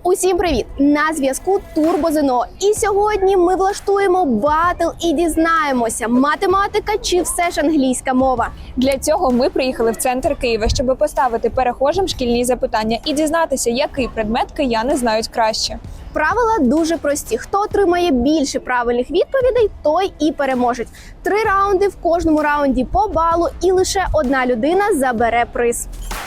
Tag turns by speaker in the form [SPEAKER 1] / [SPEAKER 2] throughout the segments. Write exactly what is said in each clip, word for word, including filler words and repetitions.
[SPEAKER 1] Усім привіт! На зв'язку Турбо-ЗНО. І сьогодні ми влаштуємо батл і дізнаємося, математика чи все ж англійська мова.
[SPEAKER 2] Для цього ми приїхали в центр Києва, щоб поставити перехожим шкільні запитання і дізнатися, який предмет кияни знають краще.
[SPEAKER 1] Правила дуже прості. Хто отримає більше правильних відповідей, той і переможе. Три раунди, в кожному раунді по балу, і лише одна людина забере приз.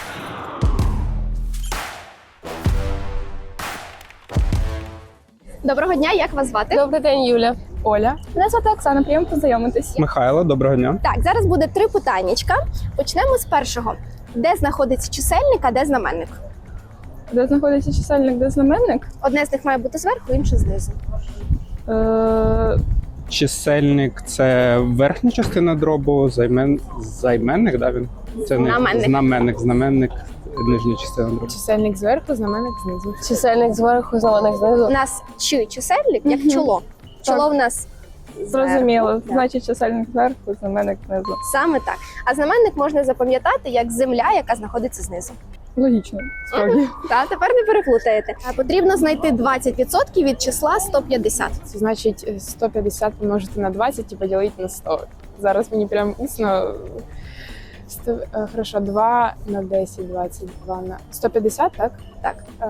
[SPEAKER 1] Доброго дня, як вас звати?
[SPEAKER 3] Добрий день, Юля.
[SPEAKER 4] Оля.
[SPEAKER 3] Мене звати Оксана, приємно познайомитись.
[SPEAKER 4] Михайло, доброго дня.
[SPEAKER 1] Так, зараз буде три питаннячка. Почнемо з першого. Де знаходиться чисельник, а де знаменник?
[SPEAKER 3] Де знаходиться чисельник, де знаменник?
[SPEAKER 1] Одне з них має бути зверху, інше знизу.
[SPEAKER 3] Е,
[SPEAKER 4] Чисельник – це верхня частина дробу, займен... займенник, да, він? Це не
[SPEAKER 1] Знаменник.
[SPEAKER 4] знаменник, знаменник, нижня частина дробу.
[SPEAKER 5] Чисельник зверху, знаменник знизу.
[SPEAKER 3] Чисельник зверху, знаменник знизу.
[SPEAKER 1] У нас чи чисельник, як чоло. Чоло в нас
[SPEAKER 3] Зрозуміло.
[SPEAKER 1] зверху, так.
[SPEAKER 3] Значить, чисельник зверху, знаменник знизу.
[SPEAKER 1] Саме так. А знаменник можна запам'ятати як земля, яка знаходиться знизу.
[SPEAKER 3] Логічно, справді.
[SPEAKER 1] Та тепер не переплутаєте. А потрібно знайти двадцять відсотків від числа сто п'ятдесят.
[SPEAKER 5] Це значить сто п'ятдесят помножити на двадцять і поділити на сто. Зараз мені прям усно. сто, е, хорошо, два на десять, двадцять два на сто п'ятдесят, так?
[SPEAKER 1] Так.
[SPEAKER 5] Е,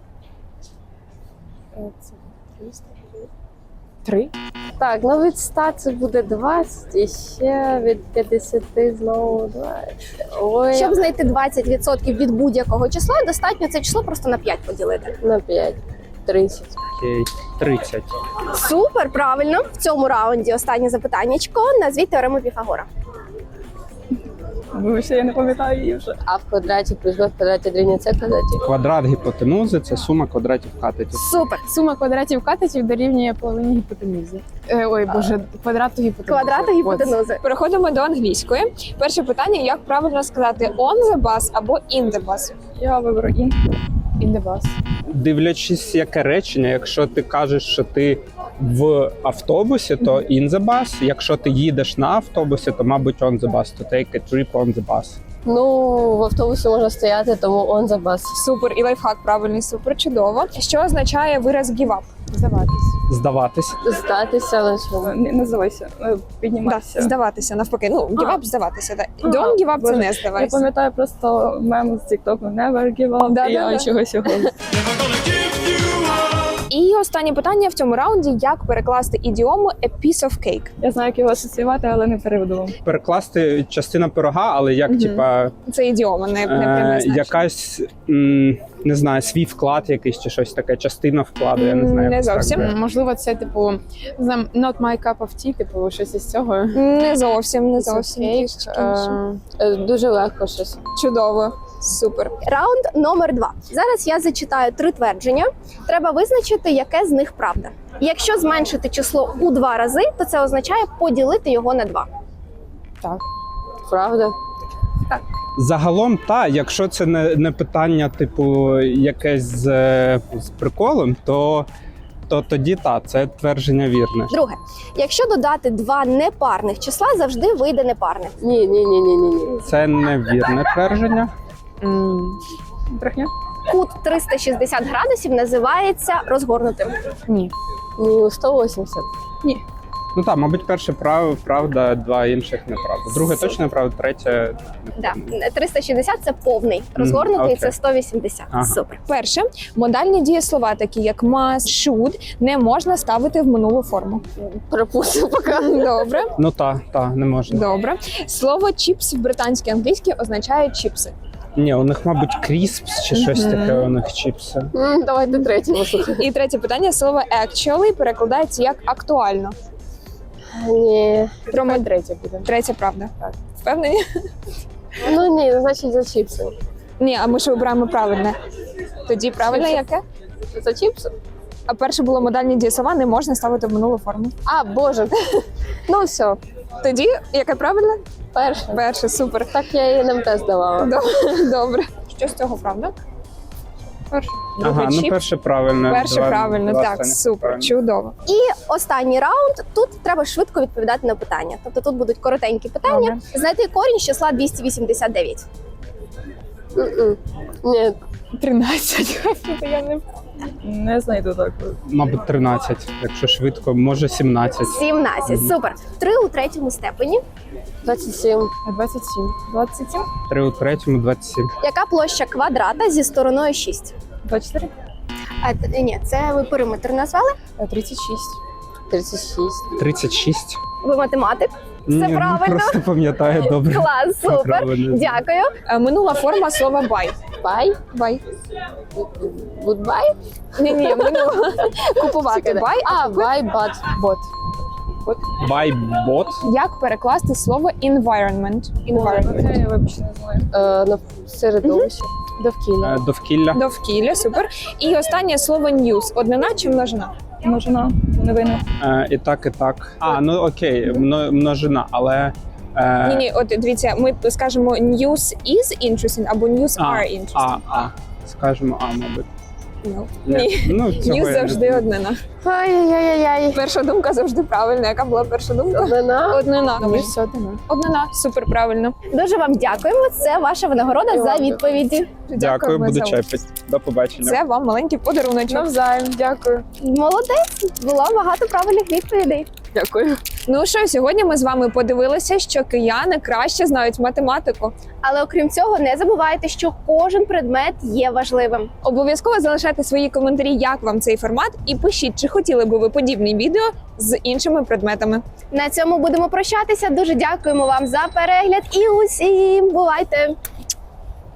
[SPEAKER 5] е, це триста. Три?
[SPEAKER 3] Так, ну від ста це буде двадцять, і ще від п'ятдесяти знову двадцять. Ой,
[SPEAKER 1] Щоб знайти двадцять відсотків від будь-якого числа, достатньо це число просто на п'ять поділити.
[SPEAKER 3] на п'ять. тридцять.
[SPEAKER 4] Окей, тридцять.
[SPEAKER 1] Супер, правильно. В цьому раунді останнє запитаннячко. Назвіть теорему Піфагора.
[SPEAKER 3] Вибачте, я не пам'ятаю її вже. А в квадраті плюс b в квадраті дорівнює c в квадраті.
[SPEAKER 4] Квадрат гіпотенузи – це сума квадратів катетів.
[SPEAKER 1] Супер.
[SPEAKER 5] Сума квадратів катетів дорівнює половині гіпотенузи. Е, ой, боже, квадрату гіпотенузи.
[SPEAKER 1] Квадрата гіпотенузи.
[SPEAKER 2] Переходимо до англійської. Перше питання, як правильно сказати on the bus або in the bus?
[SPEAKER 3] Я виберу ін.
[SPEAKER 5] In the bus.
[SPEAKER 4] Дивлячись, яке речення, якщо ти кажеш, що ти в автобусі, то in the bus. Якщо ти їдеш на автобусі, то, мабуть, on the bus. To take a trip on the bus.
[SPEAKER 3] Ну, в автобусі можна стояти, тому on the bus.
[SPEAKER 2] Супер, і лайфхак правильний, супер, чудово. Що означає вираз give up?
[SPEAKER 5] Здаватись.
[SPEAKER 4] Здаватись.
[SPEAKER 3] Здатися лише.
[SPEAKER 6] Не, не здавайся, е,
[SPEAKER 2] Да,
[SPEAKER 6] піднімайся.
[SPEAKER 2] здаватися, навпаки. Ну, give up, здаватися. Да. Don't give up – це
[SPEAKER 6] Боже,
[SPEAKER 2] не
[SPEAKER 6] Я
[SPEAKER 2] здавайся.
[SPEAKER 6] пам'ятаю просто мем з TikTok Never give up,
[SPEAKER 2] Да,
[SPEAKER 6] і
[SPEAKER 2] да, да.
[SPEAKER 6] я чогось його.
[SPEAKER 2] І останнє питання в цьому раунді, як перекласти ідіому a piece of cake?
[SPEAKER 6] Я знаю, як його асоціювати, але не переведу вам.
[SPEAKER 4] Перекласти частина пирога, але як,
[SPEAKER 2] Мгм.
[SPEAKER 4] типа,
[SPEAKER 2] Це ідіома, не, не пряме
[SPEAKER 4] е,
[SPEAKER 2] значення.
[SPEAKER 4] якась, м, не знаю, свій вклад якийсь чи щось таке, частина вкладу, я не знаю.
[SPEAKER 2] Не
[SPEAKER 4] як це
[SPEAKER 2] зовсім.
[SPEAKER 4] так.
[SPEAKER 5] Можливо, це типу не знаю, not my cup of tea, типу щось із цього.
[SPEAKER 2] Не зовсім, не
[SPEAKER 5] Piece of
[SPEAKER 2] зовсім.
[SPEAKER 5] cake,
[SPEAKER 2] Трішечки інше.
[SPEAKER 5] е,
[SPEAKER 3] Е, Дуже легко щось.
[SPEAKER 2] Чудово, супер.
[SPEAKER 1] Раунд номер два. Зараз я зачитаю три твердження. Треба визначити, яке з них правда. Якщо зменшити число у два рази, то це означає поділити його на два.
[SPEAKER 5] Так.
[SPEAKER 3] Правда?
[SPEAKER 4] Загалом, та, якщо це не, не питання, типу, якесь з, е, з приколом, то, то тоді та, це твердження вірне.
[SPEAKER 1] Друге, якщо додати два непарних числа, завжди вийде непарне.
[SPEAKER 3] Ні, ні, ні, ні, ні, ні.
[SPEAKER 4] Це невірне твердження.
[SPEAKER 5] М,
[SPEAKER 6] Брехня?
[SPEAKER 1] Кут триста шістдесят градусів називається розгорнутим.
[SPEAKER 5] Ні.
[SPEAKER 3] Ні, сто вісімдесят.
[SPEAKER 4] Ну так, мабуть, перше прав, правда, два інших неправда. Друге точно неправда, третє.
[SPEAKER 1] Да. триста шістдесят – це повний, розгорнутий
[SPEAKER 4] окей.
[SPEAKER 1] – це сто вісімдесят.
[SPEAKER 4] Ага.
[SPEAKER 1] Супер.
[SPEAKER 2] Перше, модальні дієслова, такі як must, should, не можна ставити в минулу форму.
[SPEAKER 3] Пропустив поки.
[SPEAKER 2] Добре,
[SPEAKER 4] Ну так, та, не можна.
[SPEAKER 2] добре. Слово чіпс в британській англійській означає чіпси.
[SPEAKER 4] Ні, у них, мабуть, кріспс чи щось
[SPEAKER 2] Мгм.
[SPEAKER 4] таке, у них чіпси.
[SPEAKER 3] М, Давайте третє послухай.
[SPEAKER 2] І третє питання, слово actually перекладається як актуально.
[SPEAKER 3] Ні.
[SPEAKER 2] Про
[SPEAKER 5] Хай
[SPEAKER 2] мод-
[SPEAKER 5] третє буде.
[SPEAKER 2] Третє правда.
[SPEAKER 5] Так.
[SPEAKER 2] Впевнені?
[SPEAKER 3] Ну ні, значить за чіпси.
[SPEAKER 2] Ні, а ми ж вибираємо правильне. Тоді правильне яке?
[SPEAKER 3] За чіпси?
[SPEAKER 2] А перше було модальні дієслова, не можна ставити в минулу форму.
[SPEAKER 3] А, боже. Ну все,
[SPEAKER 2] Тоді яке правильне?
[SPEAKER 3] перше.
[SPEAKER 2] Перше, супер.
[SPEAKER 3] Так я і НМТ здавала.
[SPEAKER 2] Добре. Добре. Що з цього правда?
[SPEAKER 6] Перше.
[SPEAKER 2] Друге
[SPEAKER 4] Ага, ну
[SPEAKER 2] чіпс.
[SPEAKER 4] перше правильно.
[SPEAKER 2] Перше
[SPEAKER 4] два-
[SPEAKER 2] правильно,
[SPEAKER 4] два
[SPEAKER 2] так,
[SPEAKER 4] останніх
[SPEAKER 2] супер,
[SPEAKER 4] правильно.
[SPEAKER 2] чудово.
[SPEAKER 1] І останній раунд. Тут треба швидко відповідати на питання. Тобто тут будуть коротенькі питання.
[SPEAKER 2] Добре.
[SPEAKER 1] Знайти корінь з числа двісті вісімдесят дев'ять.
[SPEAKER 3] М-м. Ні,
[SPEAKER 5] тринадцять. Я не
[SPEAKER 6] Не знайду так.
[SPEAKER 4] Мабуть, тринадцять, якщо швидко, може сімнадцять.
[SPEAKER 1] сімнадцять. Супер. три у третьому степені.
[SPEAKER 3] двадцять сім.
[SPEAKER 5] двадцять сім.
[SPEAKER 6] двадцять сім?
[SPEAKER 4] три у третьому, двадцять сім.
[SPEAKER 1] Яка площа квадрата зі стороною шість?
[SPEAKER 6] двадцять чотири?
[SPEAKER 1] А, т- ні, це ви периметр назвали.
[SPEAKER 5] Е, тридцять шість.
[SPEAKER 3] тридцять шість.
[SPEAKER 4] тридцять шість.
[SPEAKER 1] Ви математик. Все
[SPEAKER 4] Ні, ну,
[SPEAKER 1] правильно.
[SPEAKER 4] просто пам'ятаю добре.
[SPEAKER 1] Клас, супер.
[SPEAKER 4] Правильно.
[SPEAKER 1] Дякую.
[SPEAKER 2] Е, Минула форма слова бай.
[SPEAKER 3] Бай.
[SPEAKER 2] Бай.
[SPEAKER 3] Goodbye.
[SPEAKER 2] Ні, ні, минула. Купувати бай.
[SPEAKER 3] А, buy, but.
[SPEAKER 5] Бот.
[SPEAKER 4] Байбот.
[SPEAKER 2] Як перекласти слово environment? Environment.
[SPEAKER 6] Це я вибачте не знаю.
[SPEAKER 3] Е, на середовище.
[SPEAKER 5] Довкілля.
[SPEAKER 4] Е, Довкілля.
[SPEAKER 2] Довкілля, супер. І останнє слово news. Однина чи множина?
[SPEAKER 6] Множина. Новини.
[SPEAKER 4] Е, І так, і так. А, ну окей, мно- множина, але. е,
[SPEAKER 2] Ні, ні, от дивіться, ми скажемо news is interesting або news
[SPEAKER 4] А,
[SPEAKER 2] are
[SPEAKER 4] а,
[SPEAKER 2] interesting.
[SPEAKER 4] а. Скажемо, а, мабуть.
[SPEAKER 2] No.
[SPEAKER 4] Ні.
[SPEAKER 2] Ні.
[SPEAKER 4] Ну, цього
[SPEAKER 2] News
[SPEAKER 4] я не
[SPEAKER 2] завжди
[SPEAKER 4] знаю.
[SPEAKER 2] однина.
[SPEAKER 3] Ай-яй-яй-яй.
[SPEAKER 2] Перша думка завжди правильна. Яка була перша думка?
[SPEAKER 3] Одна.
[SPEAKER 2] Однина.
[SPEAKER 5] Ніж все одно.
[SPEAKER 2] Однина. Супер правильно.
[SPEAKER 1] Дуже вам дякуємо. Це ваша винагорода за відповіді.
[SPEAKER 4] Дякую,
[SPEAKER 2] Дякуємо
[SPEAKER 4] буду
[SPEAKER 2] за участь.
[SPEAKER 4] чепити. До побачення.
[SPEAKER 2] Це вам маленький подаруночок.
[SPEAKER 5] Навзаєм. Дякую.
[SPEAKER 1] Молодець. Було багато правильних відповідей.
[SPEAKER 3] Дякую.
[SPEAKER 2] Ну що, сьогодні ми з вами подивилися, що кияни краще знають математику.
[SPEAKER 1] Але окрім цього, не забувайте, що кожен предмет є важливим.
[SPEAKER 2] Обов'язково залишайте свої коментарі, як вам цей формат, і пишіть, чи хотіли би ви подібні відео з іншими предметами.
[SPEAKER 1] На цьому будемо прощатися. Дуже дякуємо вам за перегляд і усім бувайте!